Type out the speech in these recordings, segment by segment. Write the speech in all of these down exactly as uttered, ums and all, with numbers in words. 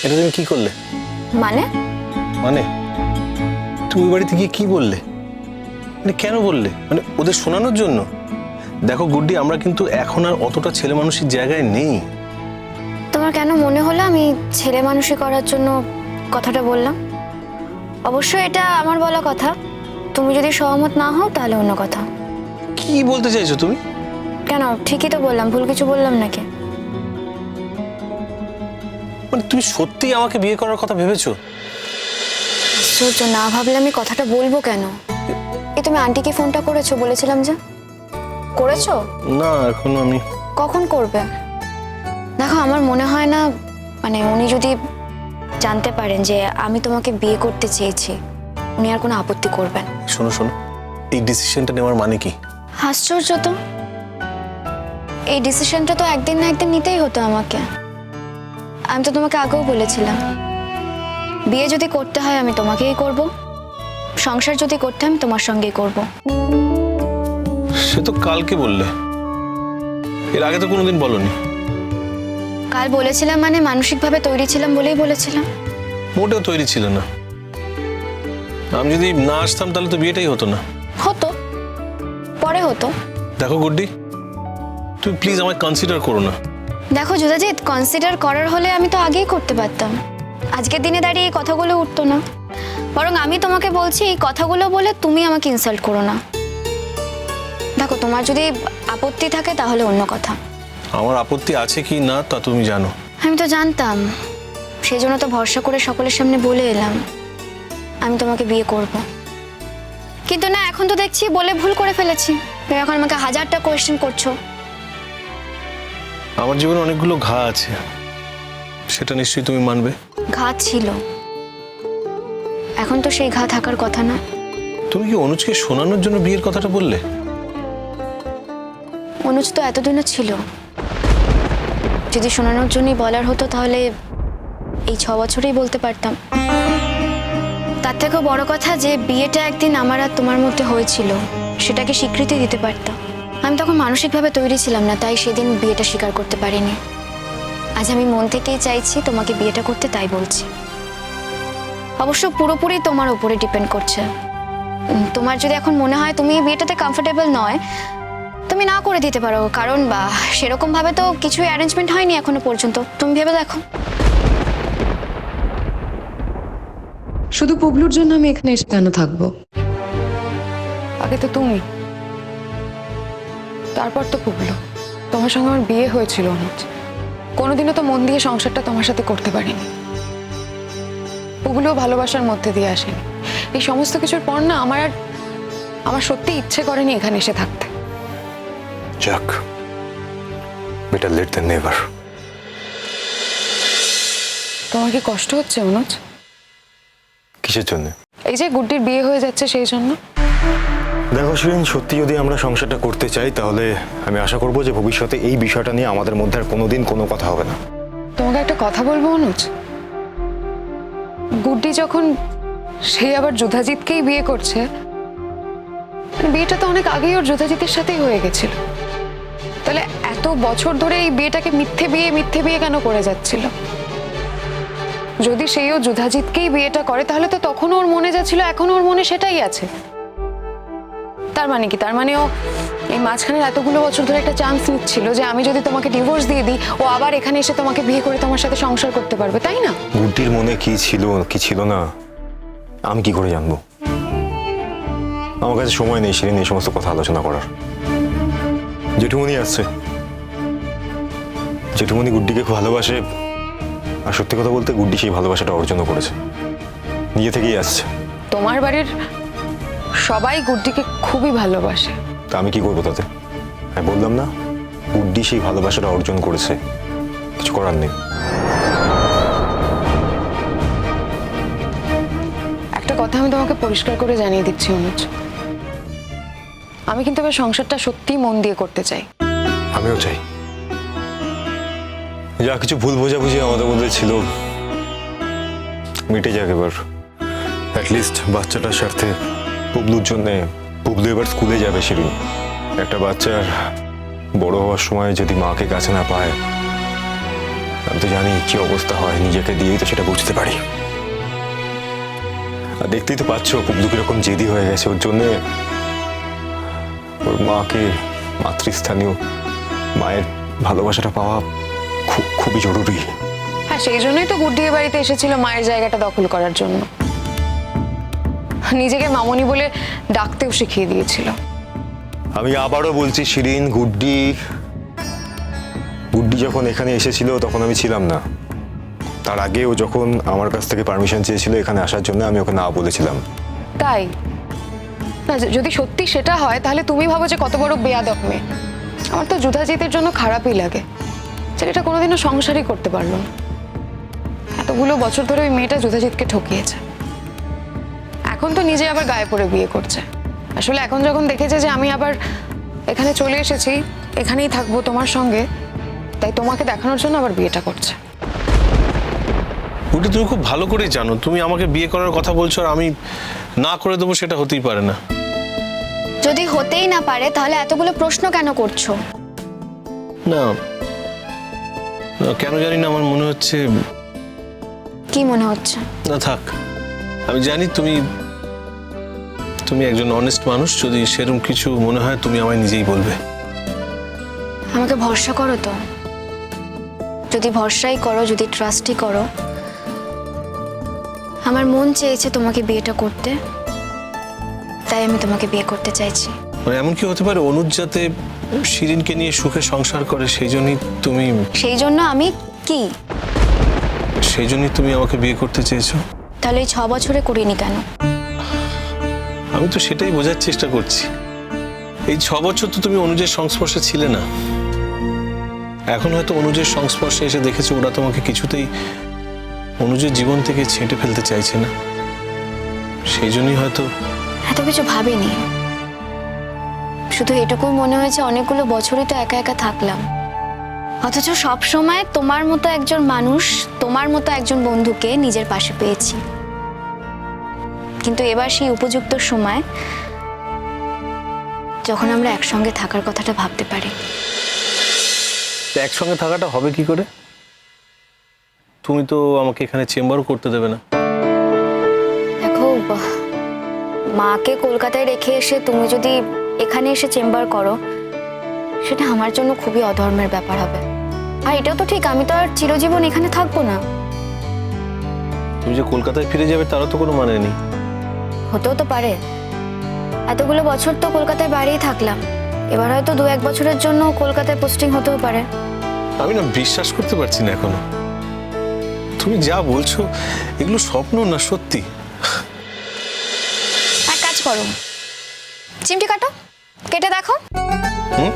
এটা তুমি কি করলে? মানে মানে তুমি ওই বাড়িতে গিয়ে কি বললে? মানে কেন বললে? মানে ওদের শোনানোর জন্য? দেখো গুড্ডি, আমরা কিন্তু এখন আর অতটা ছেলে মানুষের জায়গায় নেই। তোমার কেন মনে হলো আমি ছেলে মানুষই করার জন্য কথাটা বললাম? অবশ্যই এটা আমার বলা কথা, তুমি যদি সহমত না হও তাহলে অন্য কথা। কি বলতে চাইছো তুমি? কেন, ঠিকই তো বললাম, ভুল কিছু বললাম নাকি? মানে তুমি সত্যিই আমাকে বিয়ে করার কথা ভেবেছো? আশ্চর্য, না ভাবলে আমি কথাটা বলবো কেন? এই তুমি আন্টিকে ফোনটা করেছো বলেছিলাম যে? করেছো? না, এখনো আমি। কখন করবে? দেখো, আমার মনে হয় না মানে উনি যদি জানতে পারেন যে আমি তোমাকে বিয়ে করতে চেয়েছি, উনি আর কোনো আপত্তি করবেন। শোনো শোনো, এই ডিসিশনটা নেওয়ার মানে কি? আশ্চর্য তো, এই ডিসিশনটা তো একদিন না একদিন নিতেই হতো আমাকে। আমি তো তোমাকে আগেও বলেছিলাম, বিয়ে যদি করতে হয় আমি তোমাকেই করব, সংসার যদি করতে হয় আমি তোমার সঙ্গেই করব। সে তো কালকে বললে, এর আগে তো কোনোদিন বলনি। কাল বলেছিলাম মানে মানসিকভাবে তৈরি ছিলাম বলেই বলেছিলাম। মোটেও তৈরি ছিল না। আমি যদি না আসতাম তাহলে তো বিয়েটাই হতো না। হতো, পরে হতো। দেখো গুড্ডি, তুমি প্লিজ আমায় কনসিডার করো না। দেখো যুদাজিৎ, কনসিডার করার হলে আমি তো আগেই করতে পারতাম, আজকের দিনে দাঁড়িয়ে এই কথাগুলো উঠতো না। বরং আমি তোমাকে বলছি এই কথাগুলো বলে তুমি আমাকে ইনসাল্ট করো না। দেখো, তোমার যদি আপত্তি থাকে তাহলে অন্য কথা। আমার আপত্তি আছে কি না তা তুমি জানো। আমি তো জানতাম, সেই জন্য তো ভরসা করে সকলের সামনে বলে এলাম আমি তোমাকে বিয়ে করব। কিন্তু না, এখন তো দেখছি বলে ভুল করে ফেলেছি। তুমি এখন আমাকে হাজারটা কোয়েশ্চেন করছো। আমার জীবনে অনেকগুলো ঘা আছে, সেটা নিশ্চয়ই তুমি মানবে। ঘা ছিল, এখন তো সেই ঘা থাকার কথা না। তুমি কি অনুজকে শোনানোর জন্য বিয়ের কথাটা বললে? অনুজ তো এতদিনও ছিল, যদি শোনানোর জন্যই বলার হতো তাহলে এই ছ বছরেই বলতে পারতাম। তার থেকেও বড় কথা যে বিয়েটা একদিন আমার আর তোমার মধ্যে হয়েছিল, সেটাকে স্বীকৃতি দিতে পারতাম। আমি তখন মানসিকভাবে তৈরি ছিলাম না, তাই সেদিন বিয়েটা স্বীকার করতে পারিনি। আজ আমি মন থেকেই চাইছি তোমাকে বিয়েটা করতে, তাই বলছি। অবশ্য পুরোপুরি তোমার উপরে ডিপেন্ড করছে। তোমার যদি এখন মনে হয় তুমি বিয়েটাতে কমফোর্টেবল নয়, তুমি না করে দিতে পারো, কারণ বা সেরকম ভাবে তো কিছু অ্যারেঞ্জমেন্ট হয়নি এখনো পর্যন্ত। তুমি ভেবে দেখো। শুধু পুবলুর জন্য আমি এখানে এসে কেন থাকবো? আগে তো তুমি, তারপর তো পুবলু। তোমার সঙ্গে আমার বিয়ে হয়েছিল অনুজ, কোনোদিনও তো মন দিয়ে সংসারটা তোমার সাথে করতে পারিনি। পুবলুও ভালোবাসার মধ্যে দিয়ে আসেনি। এই সমস্ত কিছুর পর না আমার আর আমার সত্যি ইচ্ছে করেনি এখানে এসে থাকতে। যাক, বেটার লেট দ্যান নেভার। তোমার কি কষ্ট হচ্ছে অনুজ? কিসের জন্য? এই যে গুড্ডির বিয়ে হয়ে যাচ্ছে সেই জন্য। দেখো শিরিন, সত্যি যদি আমরা সংসারটা করতে চাই তাহলে আমি আশা করবো যে ভবিষ্যতে এই বিষয়টা নিয়ে আমাদের মধ্যে আর কোনোদিন কোনো কথা হবে না। তোমাকে একটা কথা বলবো অনুজ, গুড্ডি যখন সে আবার যুধাজিৎকেই বিয়ে করছে, বিয়েটা তো অনেক আগেই ওর যুধাজিতের সাথেই হয়ে গেছিল। তাহলে এত বছর ধরে এই বিয়েটাকে মিথ্যে বিয়ে মিথ্যে বিয়ে কেন করে যাচ্ছিল? যদি সেও যুধাজিৎকেই বিয়েটা করে তাহলে তো তখন ওর মনে যাচ্ছিল এখন ওর মনে সেটাই আছে। তার মানে কি? তার মানে ও এই মাঝখানের এতগুলো বছর ধরে একটা চান্স নিচ্ছিল যে আমি যদি তোমাকে ডিভোর্স দিয়ে দিই, ও আবার এখানে এসে তোমাকে বিয়ে করে তোমার সাথে সংসার করতে পারবে, তাই না? গুড্ডির মনে কি ছিল কি ছিল না আমি কি করে জানবো? আমার কাছে সময় নেই শিরিন এই সমস্ত কথা আলোচনা করার। জেঠুমনি আসছে, জেঠুমনি গুড্ডিকে খুব ভালোবাসে, আর সত্যি কথা বলতে গুড্ডি সেই ভালোবাসাটা অর্জন করেছে, নিজে থেকেই আসছে। তোমার বাড়ির সবাই গুড্ডিকে খুবই ভালোবাসে। তা আমি কি করবো তাতে? আমি বললাম না, গুড্ডি সেই ভালোবাসাটা অর্জন করেছে, কিছু করার নেই। একটা কথা আমি তোমাকে পরিষ্কার করে জানিয়ে দিচ্ছি অনুজ, আমি কিন্তু এবার সংসারটা সত্যি মন দিয়ে করতে চাই। আমিও চাই। যা কিছু ভুল বোঝাবুঝি আমাদের মধ্যে ছিল মিটে যাক এবার। অ্যাটলিস্ট বাচ্চাটার স্বার্থে, পুবলুর জন্যে। পুবলু এবার স্কুলে যাবে শিরিন। একটা বাচ্চার বড় হওয়ার সময় যদি মাকে কাছে না পায় আমি তো জানি কি অবস্থা হয়, নিজেকে দিয়েই তো সেটা বুঝতে পারি। আর দেখতেই তো পাচ্ছ পুবলু কিরকম জেদি হয়ে গেছে। ওর জন্য ওর মাকে, মাতৃস্থানীয় মায়ের ভালোবাসাটা পাওয়া খুব খুবই জরুরি। হ্যাঁ, সেই জন্যই তো গুড্ডি এ বাড়িতে এসেছিল মায়ের জায়গাটা দখল করার জন্য। নিজেকে মামনি বলে ডাকতেও শিখিয়ে দিয়েছিল। আমি আবারও বলছি শিরিন, গুড্ডি গুড্ডি যখন এখানে এসেছিল তখন আমি ছিলাম না। তার আগে ও যখন আমার কাছ থেকে পারমিশন চেয়েছিল এখানে আসার জন্য, আমি ওকে না বলেছিলাম। তাই না, যদি সত্যি সেটা হয় তাহলে তুমি ভাবো যে কত বড় বেয়াদব মেয়ে। আমার তো যুধাজিতের জন্য খারাপই লাগে, ছেলেটা কোনোদিনও সংসারই করতে পারলো না। এতগুলো বছর ধরে ওই মেয়েটা যুধাজিৎকে ঠকিয়েছে। এখন তো নিজে আবার গায়ে পড়ে বিয়ে করছে। আসলে এখন যখন দেখেছে যে আমি আবার এখানে চলে এসেছি, এখানেই থাকবো তোমার সঙ্গে, তাই তোমাকে দেখানোর জন্য আবার বিয়েটা করছে। ওটা তুমি খুব ভালো করেই জানো, তুমি আমাকে বিয়ে করার কথা বলছো আর আমি না করে দেবো, সেটা হতেই পারে না। যদি হতেই না পারে তাহলে এতগুলো প্রশ্ন কেন করছো? না না, কেন জানি না আমার মনে হচ্ছে। কি মনে হচ্ছে? না থাক, আমি জানি তুমি তুমি একজন অনেস্ট মানুষ। যদি সেরকম কিছু মনে হয় তুমি আমায় নিজেই বলবে। আমাকে ভরসা করো তো। যদি ভরসাই করো, যদি ট্রাস্টই করো, আমার মন চেয়েছে তোমাকে বিয়েটা করতে, তাই আমি তোমাকে বিয়ে করতে চাইছি। মানে এমন কি হতে পারে অনুজ যাতে শিরিনকে নিয়ে সুখে সংসার করে, সেই জন্যই তুমি সেই জন্য আমি কি সেই জন্যই তুমি আমাকে বিয়ে করতে চেয়েছো? তাহলে এই ছ বছরে করিনি কেন? আমি তো সেটাই বোঝার চেষ্টা করছি। এই ছ বছর তো তুমি অনুজের সংস্পর্শে ছিলে না। এখন হয়তো অনুজের সংস্পর্শে এসে দেখেছো ওরা তোমাকে কিছুতেই অনুজের জীবন থেকে ছেঁটে ফেলতে চাইছে না, সেই জন্যই হয়তো। এত কিছু ভাবিনি, শুধু এটুকুই মনে হয়েছে অনেকগুলো বছরই তো একা একা থাকলাম, অথচ সব সময় তোমার মতো একজন মানুষ, তোমার মতো একজন বন্ধুকে নিজের পাশে পেয়েছি। কিন্তু এবার সেই উপযুক্ত সময়, যখন আমরা একসঙ্গে থাকার কথাটা ভাবতে পারি। একসঙ্গে থাকাটা হবে কি করে? তুমি তো আমাকে এখানে চেম্বারও করতে দেবে না। দেখো, মাকে কলকাতায় রেখে এসে তুমি যদি এখানে এসে চেম্বার করো, সেটা আমার জন্য খুবই অধর্মের ব্যাপার হবে। আর এটাও তো ঠিক, আমি তো আর চিরজীবন এখানে থাকবো না। তুমি যে কলকাতায় ফিরে যাবে তারও তো কোনো মানে নেই। হতেও তো পারে, এতগুলো বছর তো কলকাতায় বাড়িই থাকলাম, এবার হয়তো দু এক বছরের জন্য কলকাতায় পোস্টিং হতেও পারে। আমি না বিশ্বাস করতে পারছি না এখনো। তুমি যা বলছো এগুলো স্বপ্ন না সত্যি? এক কাজ করো, চিমটি কাটো, কেটে দেখো। হুম?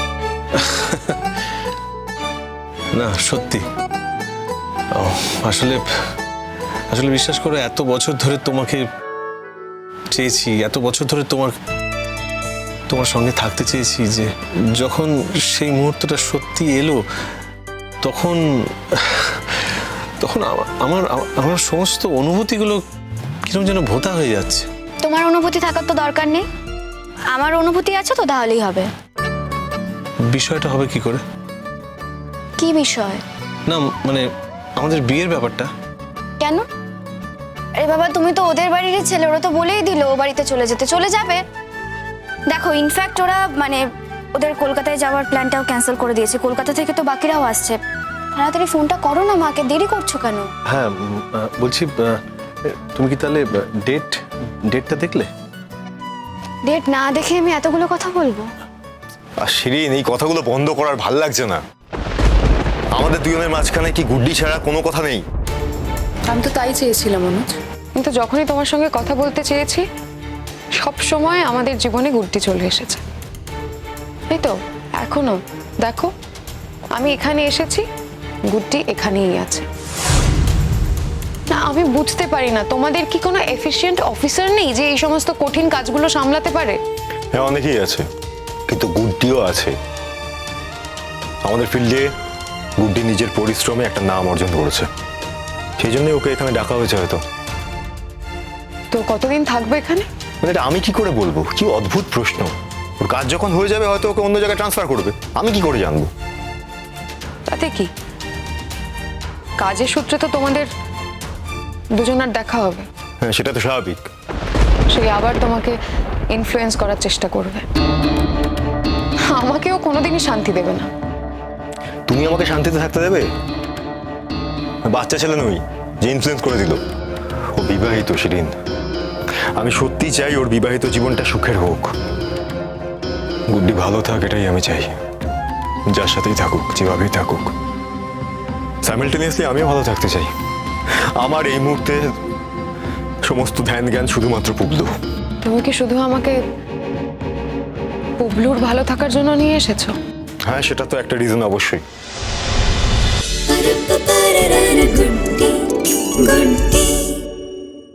না সত্যি। ও, আসলে আসলে বিশ্বাস করো, এত বছর ধরে তোমাকে চেয়েছি, এত বছর ধরে তোমার তোমার সঙ্গে থাকতে চেয়েছি, যে যখন সেই মুহূর্তটা সত্যি এলো তখন তখন আমা- আমার আমার সমস্ত অনুভূতিগুলো কিরকম যেন ভোঁতা হয়ে যাচ্ছে। তোমার অনুভূতি থাকার তো দরকার নেই, আমার অনুভূতি আছে তো, তাহলেই হবে। বিষয়টা হবে কি করে? কি বিষয়? না মানে আমাদের বিয়ের ব্যাপারটা। কেন? আরে বাবা, তুমি তো ওদের বাড়িরই ছেলে, ওরা তো বলেই দিল ও বাড়িতে চলে যেতে, চলে যাবে। দেখো, ইনফ্যাক্ট ওরা মানে ওদের কলকাতায় যাওয়ার প্ল্যানটাও ক্যান্সেল করে দিয়েছে। কলকাতা থেকে তো বাকিরাও আসছে। তাড়াতাড়ি ফোনটা করো না মাকে, দেরি করছো কেন? হ্যাঁ উম, আহ, বলছি, আহ, তুমি কি তাহলে ডেট ডেটটা দেখলে? ডেট না দেখে আমি এতগুলো কথা বলবো? আর শিরিন, এই কথাগুলো বন্ধ করার ভাল লাগছে না। আমাদের দুজনের মাঝখানে কি গুড্ডি ছাড়া কোনো কথা নেই? আমি তো তাই চেয়েছিলাম অনুজ, কিন্তু যখনই তোমার সঙ্গে কথা বলতে চেয়েছি, সব সময় আমাদের জীবনে গুড্ডি চলে এসেছে। এই তো এখনো দেখো, আমি এখানে এসেছি, গুড্ডি এখানেই আছে। না, আমি বুঝতে পারি না, তোমাদের কি কোনো এফিশিয়েন্ট অফিসার নেই যে এই সমস্ত কঠিন কাজগুলো সামলাতে পারে? হ্যাঁ, অনেকেই আছে, কিন্তু গুড্ডিও আছে। আমাদের ফিল্ডে গুড্ডি নিজের পরিশ্রমে একটা নাম অর্জন করেছে, সেই জন্যই ওকে এখানে ডাকা হয়েছে হয়তো। তো কতদিন থাকবে এখানে? মানে এটা আমি কি করে বলবো? কি অদ্ভুত প্রশ্ন। ওর কাজ যখন হয়ে যাবে হয়তো ওকে অন্য জায়গায় ট্রান্সফার করবে, আমি কি করে জানবো? তাতে কি, কাজের সূত্রে তো তোমাদের দুজনের দেখা হবে। হ্যাঁ, সেটা তো স্বাভাবিক। সে আবার তোমাকে ইনফ্লুয়েন্স করার চেষ্টা করবে। আমাকেও কোনোদিনই শান্তি দেবে না। তুমি আমাকে শান্তিতে থাকতে দেবে? বাচ্চা ছেলে নই যে ইনফ্লুয়েন্স করে দিল। ও বিবাহিত শিরিন, আমি সত্যি চাই ওর বিবাহিত জীবনটা সুখের হোক। গুড্ডি ভালো থাক, এটাই আমি চাই। যার সাথেই থাকুক, যেভাবেই থাকুক। সাইমালটেনিয়াসলি আমিও ভালো থাকতে চাই। আমার এই মুহূর্তে সমস্ত ধ্যান জ্ঞান শুধুমাত্র পুবলু। তুমি কি শুধু আমাকে পুবলুর ভালো থাকার জন্য নিয়ে এসেছো? হ্যাঁ, সেটা তো একটা রিজন অবশ্যই। Good